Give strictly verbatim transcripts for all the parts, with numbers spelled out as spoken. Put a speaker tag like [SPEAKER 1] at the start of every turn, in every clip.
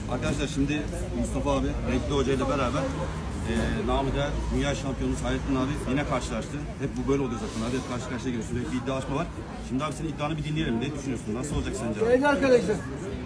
[SPEAKER 1] Arkadaşlar şimdi Mustafa abi, Renkli Hoca ile beraber e, namı değer dünya şampiyonumuz Hayrettin abi yine karşılaştı. Hep bu böyle oluyor zaten abi, hep karşı karşıya geliyorsun. Bir iddialaşma var. Şimdi abi senin iddianı bir dinleyelim. Ne düşünüyorsun? Nasıl olacak sence abi?
[SPEAKER 2] Değerli arkadaşlar,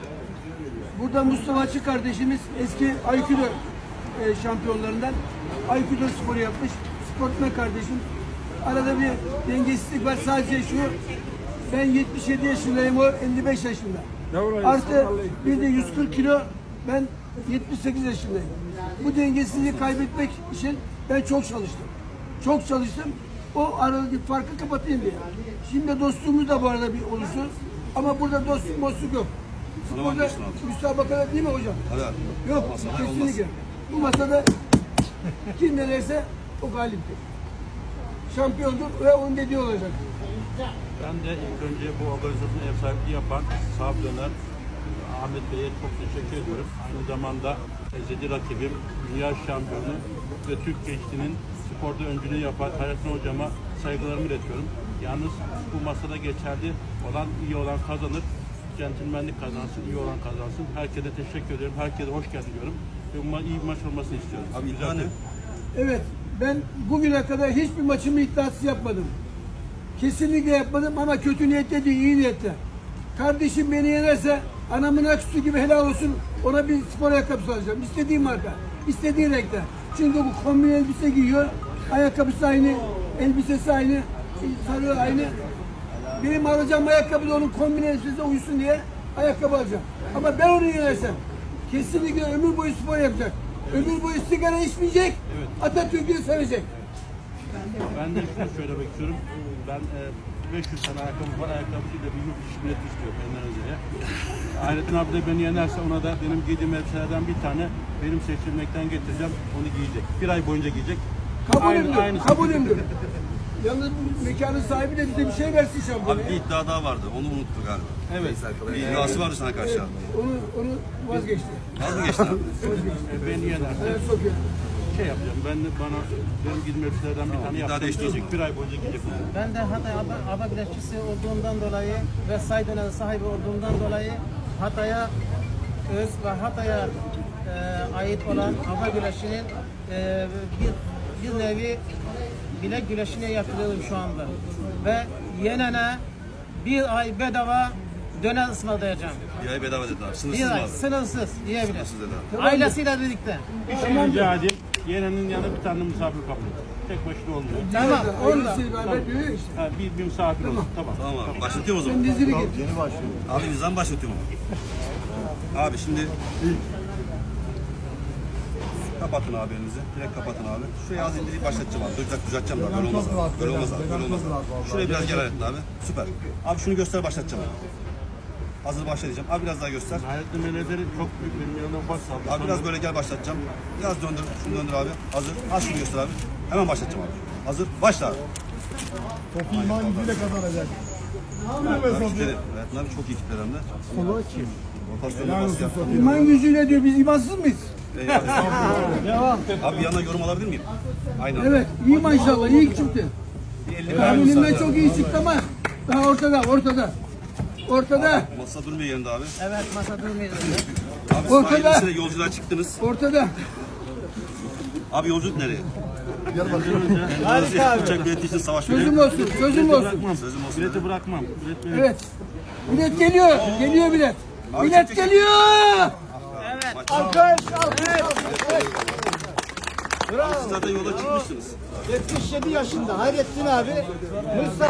[SPEAKER 2] burada Mustafa Açık kardeşimiz eski Aikido e, şampiyonlarından Aikido sporu yapmış. Sportman kardeşim. Arada bir dengesizlik var. Sadece şu, ben yetmiş yedi yaşındayım, o elli beş yaşında. Artı bir de yüz kırk kilo, ben yetmiş sekiz yaşındayım. Bu dengesizliği kaybetmek için ben çok çalıştım. Çok çalıştım. O aradaki farkı kapatayım diye. Şimdi dostluğumuz da bu arada bir oluştu. Ama burada dostluk dostluk yok. Burada müsabakada değil mi hocam?
[SPEAKER 1] Hadi abi.
[SPEAKER 2] Yok, kesinlikle. Bu masada kim ne derse o galiptir. Şampiyondur ve onun dediği olacak.
[SPEAKER 3] Ben de ilk önce bu organizasyonu ev sahipliği yapan Sahap Döner Ahmet Bey'e çok teşekkür ediyorum. Aynı zamanda ezeli rakibim, dünya şampiyonu ve Türk gençliğinin sporda öncülüğü yapan Hayrettin Hocama saygılarımı iletiyorum. Yalnız bu masada geçerli olan, iyi olan kazanır. Centilmenlik kazansın, iyi olan kazansın. Herkese teşekkür ediyorum. Herkese hoş geldin diyorum. Ve bu iyi bir maç olmasını istiyorum.
[SPEAKER 1] Abi iddia ne?
[SPEAKER 2] Evet, ben bugüne kadar hiçbir maçımı iddiasız yapmadım. Kesinlikle yapmadım ama kötü niyette değil, iyi niyette. Kardeşim beni yenerse anamın aküsü gibi helal olsun, ona bir spor ayakkabısı alacağım. İstediğim marka, istediği renkte. Çünkü bu kombin elbise giyiyor, ayakkabısı aynı, elbisesi aynı, sarığı aynı. Benim alacağım ayakkabı da onun kombin elbisesine uysun diye ayakkabı alacağım. Ama ben onu yenersem kesinlikle ömür boyu spor yapacak. Ömür boyu sigara içmeyecek, evet. Atatürk'ü sevecek.
[SPEAKER 3] Ben de şunu söylemek istiyorum. Ben e, beş yüz tane ayakkabı var. Ayakkabısıyla bir yurt dışı bileti istiyorum Endonezya'ya. Hayrettin abi de beni yenerse ona da benim giydiğim elbiselerden bir tane benim seçilmekten getireceğim. Onu giyecek. Bir ay boyunca giyecek.
[SPEAKER 2] Kabulümdür, kabulümdür. Yalnız mekanın sahibi de bize bir şey versin şampiyona.
[SPEAKER 1] Abi bir iddia daha vardı. Onu unuttuk galiba.
[SPEAKER 3] Evet.
[SPEAKER 1] Bir iddiası vardı sana karşı abi.
[SPEAKER 2] Onu, onu vazgeçti.
[SPEAKER 1] Vazgeçti abi.
[SPEAKER 3] E, beni yenerse
[SPEAKER 2] Evet, Sofya.
[SPEAKER 3] şey yapacağım. Ben de bana benim giydiğim elbiselerden bir tane
[SPEAKER 1] iddia
[SPEAKER 3] yapacağım.
[SPEAKER 1] değiştirecek.
[SPEAKER 3] Bir ay boyunca giyecek onu.
[SPEAKER 4] Ben de Hatay Aba, Aba güreşçisi olduğumdan dolayı ve say dönemi sahibi olduğumdan dolayı Hatay'a öz ve Hatay'a e, ait olan Aba güreşinin e, bir, bir nevi bilek güreşine yapılıyorum şu anda. Ve yenene bir ay bedava döner ısmarlayacağım.
[SPEAKER 1] Bir ay bedava dedi abi. Sınırsız
[SPEAKER 4] Bir
[SPEAKER 1] mı
[SPEAKER 4] ay
[SPEAKER 1] abi?
[SPEAKER 4] sınırsız diyebilir.
[SPEAKER 1] Sınırsız dedi abi.
[SPEAKER 4] Ailesiyle birlikte.
[SPEAKER 3] Bir şey rica edeyim. Yenenin yanına bir tane misafir kapın. Tek başına olmuyor.
[SPEAKER 4] Tamam. Onu da.
[SPEAKER 2] Ailesiyle beraber diyor ya işte.
[SPEAKER 3] Ha, bir, bir misafir olsun. Tamam.
[SPEAKER 1] Tamam abi. Başlatıyorum o zaman.
[SPEAKER 2] Sen dizili git.
[SPEAKER 1] Abi nizam başlatıyorum ama. Abi şimdi kapatın abi elinizi. Direkt kapatın abi. Şuraya az indireyim başlatacağım abi. Dur düzelteceğim daha. Böyle olmaz abi. Böyle olmaz abi. Böyle olmaz abi. Şuraya biraz gel Hayrettin abi. Süper. Abi şunu göster başlatacağım abi. Hazır başlayacağım. Abi biraz daha göster.
[SPEAKER 3] Hayrettin Meleleri çok büyük benim yanımdan baş saldı.
[SPEAKER 1] Abi biraz böyle gel başlatacağım. Biraz döndür. Şunu döndür abi. Hazır. Az şunu göster abi. Hemen başlatacağım abi. Hazır. Başla abi.
[SPEAKER 5] Topu iman gücüyle kazanacak.
[SPEAKER 1] Abi kitleri. Hayrettin abi çok iyi kitler hem de.
[SPEAKER 2] Kolu kim?
[SPEAKER 1] Rotasyonla bas yap.
[SPEAKER 2] İman gücüyle diyor, biz imansız mıyız? Devam.
[SPEAKER 1] Abi bir yandan yorum alabilir miyim? Aynen.
[SPEAKER 2] Evet, iyi maşallah, iyi çıktı.
[SPEAKER 1] Bir elli
[SPEAKER 2] Tahminimden çok iyi çıktı ama daha ortada, ortada. Ortada,
[SPEAKER 1] Masa durmuyor yerinde abi.
[SPEAKER 4] Evet, masa durmuyor.
[SPEAKER 1] Abi
[SPEAKER 2] Ortada.
[SPEAKER 1] sahilesine yolculuğa çıktınız.
[SPEAKER 2] ortada.
[SPEAKER 1] Abi yolculuk nereye?
[SPEAKER 4] Harika abi.
[SPEAKER 1] Uçak bileti için savaş
[SPEAKER 2] Sözüm
[SPEAKER 1] veriyor.
[SPEAKER 2] olsun, sözüm olsun.
[SPEAKER 3] Bırakmam.
[SPEAKER 1] Sözüm olsun.
[SPEAKER 3] Bileti bırakmam. Bilet benim.
[SPEAKER 2] Evet. Bilet geliyor, geliyor bilet.
[SPEAKER 1] Abi
[SPEAKER 2] Bilet
[SPEAKER 1] çok
[SPEAKER 2] geliyor.
[SPEAKER 1] Alkış, Siz zaten yola çıkmışsınız.
[SPEAKER 5] yetmiş yedi yaşında Hayrettin abi Mustafa